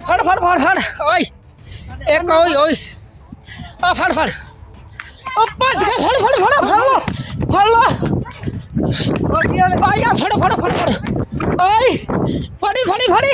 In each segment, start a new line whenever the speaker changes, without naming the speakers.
फड़ फड़ फड़ फड़ ओए एक ओए ओए आ फड़ फड़ ओ भज के फड़ फड़ फड़ फड़ लो आया फड़ फड़ फड़ फड़ ओए फड़ी फड़ी फड़ी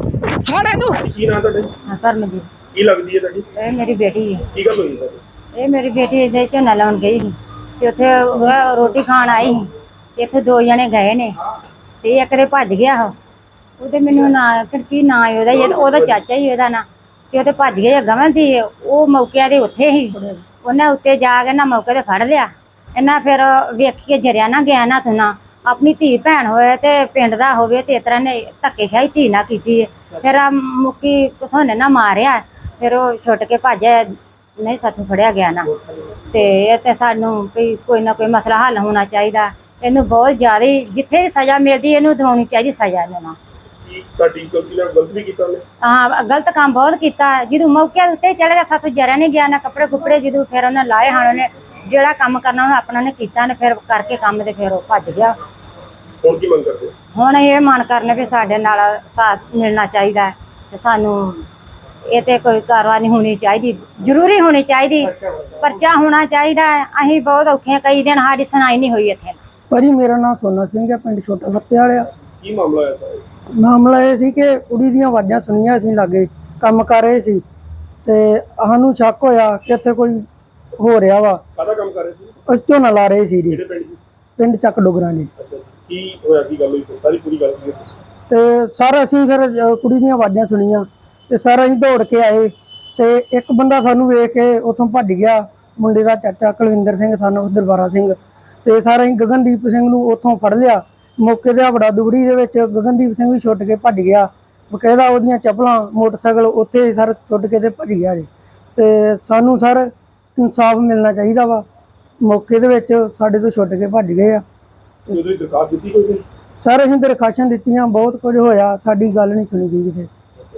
फड़ एनू
ਕੀ ਨਾਂ ਤੁਹਾਡੇ
ਕਰਨਗੀ
ਕੀ ਲੱਗਦੀ ਹੈ ਤੁਹਾਡੀ
ਇਹ ਮੇਰੀ ਬੇਟੀ ਹੈ।
ਕੀ ਗੱਲ ਹੋਈ ਸਰ
ਇਹ ਮੇਰੀ ਬੇਟੀ ਇਹਦੇ ਝੋਨਾ ਲਾਉਣ ਗਈ ਸੀ ਤੇ ਉੱਥੇ ਉਹ ਰੋਟੀ ਖਾਣ ਆਈ ਸੀ ਤੇ ਇੱਥੇ ਦੋ ਜਣੇ ਗਏ ਨੇ ਤੇ ਇੱਕ ਦੇ ਭੱਜ ਗਿਆ ਉਹ ਉਹਦੇ ਮੈਨੂੰ ਨਾਂ ਫਿਰ ਕੀ ਨਾਂ ਹੈ ਉਹਦਾ ਚਾਚਾ ਹੀ ਉਹਦਾ ਨਾਂ ਤੇ ਉਹਦੇ ਭੱਜ ਗਏ ਗਵਨ ਸੀ ਉਹ ਮੌਕੇ ਦੇ ਉੱਥੇ ਹੀ ਉਹਨੇ ਉੱਤੇ ਜਾ ਕੇ ਨਾ ਮੌਕੇ ਤੇ ਫੜ ਲਿਆ ਇਹਨਾਂ ਫਿਰ ਵੇਖੀਏ ਜਰਿਆ ਨਾ ਗਿਆ ਨਾ ਤੁਨਾ ਆਪਣੀ ਧੀ ਭੈਣ ਹੋਏ ਤੇ ਪਿੰਡ ਦਾ ਹੋਵੇ ਤੇ ਇਸ ਤਰ੍ਹਾਂ ਨੇ ਧੱਕੇਸ਼ਾਹੀ ਧੀ ਨਾ ਕੀਤੀ ਫਿਰ ਆ ਮੁੱਕੀ ਕਿਥੋਂ ਨੇ ਨਾ ਮਾਰਿਆ ਫਿਰ ਉਹ ਛੁੱਟ ਕੇ ਭੱਜਿਆ ਨਹੀਂ ਸਾਥੋਂ ਫੜਿਆ ਗਿਆ ਨਾ ਤੇ ਇਹ ਤੇ ਸਾਨੂੰ ਵੀ ਕੋਈ ਨਾ ਕੋਈ ਮਸਲਾ ਹੱਲ ਹੋਣਾ ਚਾਹੀਦਾ ਇਹਨੂੰ ਬਹੁਤ ਜ਼ਿਆਦਾ ਜਿੱਥੇ ਵੀ ਸਜ਼ਾ ਮਿਲਦੀ ਇਹਨੂੰ ਦਿਵਾਉਣੀ ਚਾਹੀਦੀ ਸਜ਼ਾ ਇਹਨਾਂ ਨੂੰ
ਕੀ ਤੁਹਾਡੀ ਗਲਤੀ ਨਾਲ ਗਲਤ ਵੀ ਕੀਤਾ ਉਹਨੇ
ਹਾਂ ਗਲਤ ਕੰਮ ਬਹੁਤ ਕੀਤਾ ਜਦੋਂ ਮੌਕੇ ਉੱਤੇ ਚਲੇ ਗਿਆ ਸਾਥੋਂ ਜਰਿਆ ਨਹੀਂ ਗਿਆ ਨਾ ਕੱਪੜੇ ਕੁਪੜੇ ਜਦੋਂ ਫਿਰ ਉਹਨੇ ਲਾਏ ਹਨ ਉਹਨੇ ਜਿਹੜਾ ਕੰਮ ਕਰਨਾ ਉਹਨੇ ਆਪਣਾ ਨੇ ਕੀਤਾ ਨੇ ਫਿਰ ਕਰਕੇ ਕੰਮ ਤੇ ਫਿਰ ਉਹ ਭੱਜ ਗਿਆ
ਹੁਣ ਕੀ ਮੰਗ ਕਰਦੇ ਹੋ?
ਹੁਣ ਇਹ ਮਨ ਕਰਨੇ ਵੀ ਸਾਡੇ ਨਾਲ ਸਾਥ ਮਿਲਣਾ ਚਾਹੀਦਾ ਤੇ ਸਾਨੂੰ ਇਹ ਤੇ ਕੋਈ ਕਾਰਵਾਈ ਹੋਣੀ ਚਾਹੀਦੀ ਜ਼ਰੂਰੀ ਹੋਣੀ ਚਾਹੀਦੀ ਪਰਚਾ ਹੋਣਾ ਚਾਹੀਦਾ ਅਸੀਂ ਬਹੁਤ ਔਖੇ ਕਈ ਦਿਨ ਸਾਡੀ ਸੁਣਾਈ ਨਹੀਂ ਹੋਈ ਇੱਥੇ
ਭਾਜੀ ਮੇਰਾ ਨਾਮ ਸੋਨਾ ਸਿੰਘ ਹੈ ਪਿੰਡ ਛੋਟਾ ਫੱਤੇ ਵਾਲਿਆ
ਕੀ ਮਾਮਲਾ ਹੋਇਆ ਸਰ
ਮਾਮਲਾ ਇਹ ਸੀ ਕਿ ਕੁੜੀ ਦੀਆਂ ਆਵਾਜ਼ਾਂ ਸੁਣੀਆਂ ਅਸੀਂ ਲਾਗੇ ਕੰਮ ਕਰ ਰਹੇ ਸੀ ਤੇ ਸਾਨੂੰ ਸ਼ੱਕ ਹੋਇਆ ਕਿ ਇੱਥੇ ਕੋਈ ਹੋ ਰਿਹਾ ਵਾ
ਕਾਹਦਾ ਕੰਮ ਕਰ ਰਹੇ ਸੀ
ਅਸੀਂ ਝੋਨਾ ਲਾ ਰਹੇ ਸੀ ਜੀ
ਕਿਹੜੇ ਪਿੰਡ ਦੀ
ਪਿੰਡ ਚੱਕ ਡੋਗਰਾਂ ਜੀ
ਅੱਛਾ ਕੀ ਹੋਇਆ ਕੀ ਗੱਲ ਹੋਈ ਸਾਰੀ ਪੂਰੀ ਗੱਲ ਕੀ
ਤੇ ਸਰ ਅਸੀਂ ਫਿਰ ਕੁੜੀ ਦੀਆਂ ਆਵਾਜ਼ਾਂ ਸੁਣੀਆਂ ਤੇ ਸਰ ਅਸੀਂ ਦੌੜ ਕੇ ਆਏ ਤੇ ਇੱਕ ਬੰਦਾ ਸਾਨੂੰ ਵੇਖ ਕੇ ਉੱਥੋਂ ਭੱਜ ਗਿਆ ਮੁੰਡੇ ਦਾ ਚਾਚਾ ਕੁਲਵਿੰਦਰ ਸਿੰਘ ਸਾਨੂੰ ਦਰਬਾਰਾ ਸਿੰਘ ਤੇ ਸਰ ਅਸੀਂ ਗਗਨਦੀਪ ਸਿੰਘ ਨੂੰ ਉੱਥੋਂ ਫੜ ਲਿਆ ਮੌਕੇ ਤੇ ਵੜਾ ਦੁਗੜੀ ਦੇ ਵਿੱਚ ਗਗਨਦੀਪ ਸਿੰਘ ਵੀ ਛੁੱਟ ਕੇ ਭੱਜ ਗਿਆ ਬਕਾਇਦਾ ਉਹਦੀਆਂ ਚੱਪਲਾਂ ਮੋਟਰਸਾਈਕਲ ਉੱਥੇ ਸਰ ਛੁੱਟ ਕੇ ਤੇ ਭੱਜ ਗਿਆ ਜੀ ਤੇ ਸਾਨੂੰ ਸਰ ਇਨਸਾਫ ਮਿਲਣਾ ਚਾਹੀਦਾ ਵਾ ਮੌਕੇ ਦੇ ਵਿੱਚ ਸਾਡੇ ਤੋਂ ਛੁੱਟ ਕੇ ਭੱਜ ਗਏ ਆ
ਉਹਦੀ ਦਰਖਾਸਤ ਦਿੱਤੀ ਕੋਈ ਨਹੀਂ
ਸਰ ਅਸੀਂ ਦਰਖਾਸ਼ਾਂ ਦਿੱਤੀਆਂ ਬਹੁਤ ਕੁਝ ਹੋਇਆ ਸਾਡੀ ਗੱਲ ਨਹੀਂ ਸੁਣੀ ਗਈ ਕਿਤੇ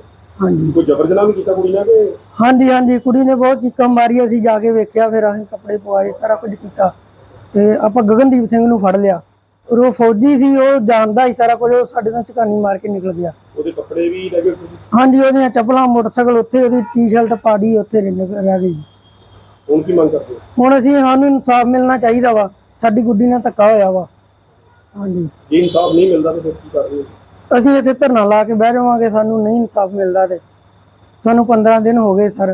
ਹਾਂਜੀ
ਕੋਈ ਜ਼ਬਰ ਜਨਾਹ ਵੀ ਕੀਤਾ ਕੁੜੀ ਨਾਲ ਕਿ
ਹਾਂਜੀ ਹਾਂਜੀ ਕੁੜੀ ਨੇ ਬਹੁਤ ਚੀਕਾਂ ਮਾਰੀ ਅਸੀਂ ਜਾ ਕੇ ਵੇਖਿਆ ਫਿਰ ਅਸੀਂ ਕੱਪੜੇ ਪਵਾਏ ਸਾਰਾ ਕੁਝ ਕੀਤਾ ਤੇ ਆਪਾਂ ਗਗਨਦੀਪ ਸਿੰਘ ਨੂੰ ਫੜ ਲਿਆ ਔਰ ਉਹ ਫੌਜੀ ਸੀ ਉਹ ਜਾਣਦਾ ਹੀ ਸਾਰਾ ਕੁਝ ਉਹ ਸਾਡੇ ਨਾਲ ਝਕਾਨੀ ਮਾਰ ਕੇ ਨਿਕਲ ਗਿਆ
ਉਹਦੇ ਕੱਪੜੇ ਵੀ ਲੈ ਗਏ ਤੁਸੀਂ
ਹਾਂਜੀ ਉਹਦੀਆਂ ਚੱਪਲਾਂ ਮੋਟਰਸਾਈਕਲ ਉੱਥੇ ਉਹਦੀ ਟੀ-ਸ਼ਰਟ ਪਾੜੀ ਉੱਥੇ ਰਹਿ ਗਈ
ਹੁਣ ਕੀ ਮੰਗ ਕਰਦੇ ਹੋ?
ਹੁਣ ਅਸੀਂ ਸਾਨੂੰ ਇਨਸਾਫ ਮਿਲਣਾ ਚਾਹੀਦਾ ਵਾ ਸਾਡੀ ਗੁੱਡੀ ਨਾਲ ਧੱਕਾ ਹੋਇਆ ਵਾ ਹਾਂਜੀ
ਜੇ ਇਨਸਾਫ ਨਹੀਂ ਮਿਲਦਾ ਤਾਂ ਫਿਰ ਕੀ ਕਰ ਰਹੇ ਹੋ
ਅਸੀਂ ਇੱਥੇ ਧਰਨਾ ਲਾ ਕੇ ਬਹਿ ਜਾਵਾਂਗੇ ਸਾਨੂੰ ਨਹੀਂ ਇਨਸਾਫ ਮਿਲਦਾ ਤੇ ਸਾਨੂੰ 15 ਦਿਨ ਹੋ ਗਏ ਸਰ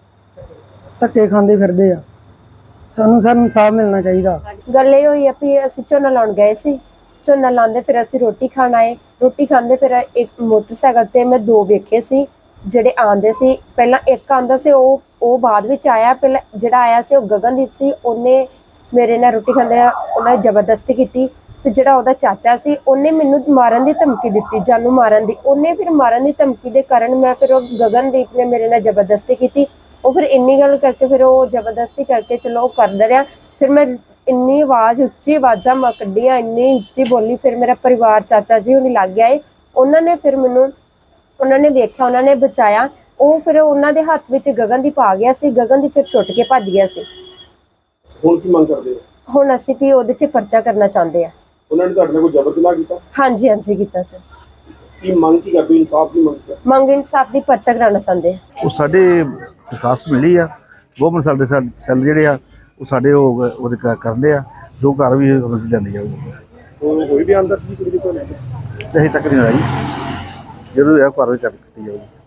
ਧੱਕੇ ਖਾਂਦੇ ਫਿਰਦੇ ਆ ਸਾਨੂੰ ਸਰ ਇਨਸਾਫ ਮਿਲਣਾ ਚਾਹੀਦਾ
ਗੱਲ ਇਹ ਹੋਈ ਆ ਵੀ ਅਸੀਂ ਝੋਨਾ ਲਾਉਣ ਗਏ ਸੀ ਝੋਨਾ ਲਾਉਂਦੇ ਫਿਰ ਅਸੀਂ ਰੋਟੀ ਖਾਣ ਆਏ ਰੋਟੀ ਖਾਂਦੇ ਫਿਰ ਇੱਕ ਮੋਟਰਸਾਈਕਲ ਤੇ ਮੈਂ ਦੋ ਵੇਖੇ ਸੀ ਜਿਹੜੇ ਆਂਦੇ ਸੀ ਪਹਿਲਾਂ ਇੱਕ ਆਂਦਾ ਸੀ ਉਹ ਬਾਅਦ ਵਿੱਚ ਆਇਆ ਪਹਿਲਾਂ ਜਿਹੜਾ ਆਇਆ ਸੀ ਉਹ ਗਗਨਦੀਪ ਸੀ ਉਹਨੇ ਮੇਰੇ ਨਾਲ ਰੋਟੀ ਖਾਂਦੇ ਉਹਨਾਂ ਜ਼ਬਰਦਸਤੀ ਕੀਤੀ ਤੇ ਜਿਹੜਾ ਉਹਦਾ ਚਾਚਾ ਸੀ ਉਹਨੇ ਮੈਨੂੰ ਮਾਰਨ ਦੀ ਧਮਕੀ ਦਿੱਤੀ ਜਾਨੂੰ ਮਾਰਨ ਦੀ ਉਹਨੇ ਫਿਰ ਮਾਰਨ ਦੀ ਧਮਕੀ ਦੇ ਕਾਰਨ ਮੈਂ ਫਿਰ ਉਹ ਗਗਨਦੀਪ ਨੇ ਮੇਰੇ ਨਾਲ ਜ਼ਬਰਦਸਤੀ ਕੀਤੀ ਉਹ ਫਿਰ ਇੰਨੀ ਗੱਲ ਕਰਕੇ ਫਿਰ ਉਹ ਜ਼ਬਰਦਸਤੀ ਕਰਕੇ ਚਲੋ ਉਹ ਕਰਦਾ ਰਿਹਾ ਫਿਰ ਮੈਂ ਇੰਨੀ ਆਵਾਜ਼ ਉੱਚੀ ਆਵਾਜ਼ਾਂ ਮੈਂ ਕੱਢੀਆਂ ਇੰਨੀ ਉੱਚੀ ਬੋਲੀ ਫਿਰ ਮੇਰਾ ਪਰਿਵਾਰ ਚਾਚਾ ਜੀ ਉਹਨੇ ਲੱਗ ਗਿਆ ਉਹਨਾਂ ਨੇ ਫਿਰ ਮੈਨੂੰ ਉਹਨਾਂ ਨੇ ਵੇਖਿਆ ਉਹਨਾਂ ਨੇ ਬਚਾਇਆ ਉਹ ਫਿਰ ਉਹਨਾਂ ਦੇ ਹੱਥ ਵਿੱਚ ਗਗਨਦੀਪ ਆ ਗਿਆ ਸੀ ਗਗਨਦੀਪ ਫਿਰ ਛੁੱਟ ਕੇ ਭੱਜ ਗਿਆ ਸੀ
ਹੁਣ ਕੀ ਮੰਗ ਕਰਦੇ ਹੋ
ਹੁਣ ਅਸੀਂ ਵੀ ਉਹਦੇ 'ਚ ਪਰਚਾ ਕਰਨਾ ਚਾਹੁੰਦੇ ਆ
ਉਹਨਾਂ ਨੇ ਤੁਹਾਡੇ ਨਾਲ ਕੋਈ ਜ਼ਬਰ ਜਨਾਹ ਕੀਤਾ
ਹਾਂਜੀ ਹਾਂਜੀ ਕੀਤਾ ਸਰ
ਕੀ ਮੰਗ ਕੀ ਕਰਦੇ ਹੋ? ਇਨਸਾਫ ਦੀ ਮੰਗ ਕਰਦੇ
ਮੰਗ ਇਨਸਾਫ ਦੀ ਪਰਚਾ ਕਰਾਉਣਾ ਚਾਹੁੰਦੇ ਆ
ਉਹ ਸਾਡੇ ਵਿਕਾਸ ਮਿਲੀ ਆ ਗਵਰਨਮੈਂਟ ਸਾਡੇ ਸੈੱਲ ਜਿਹੜੇ ਆ ਉਹ ਸਾਡੇ ਉਹਦੇ ਕਰਦੇ ਆ ਜੋ ਘਰ ਵੀ ਲੈਂਦੇ ਜਾਊਗੇ
ਹੋ ਕੋਈ ਵੀ ਅੰਦਰ ਕੀ ਕੁੜੀ ਦੀ ਕੋਈ
ਤੇ ਅਜੇ ਤੱਕ ਨਹੀਂ ਆਈ ਜਦੋਂ ਇਹ ਘਰ ਵਿੱਚ ਕੀਤੀ ਜਾਊਗੀ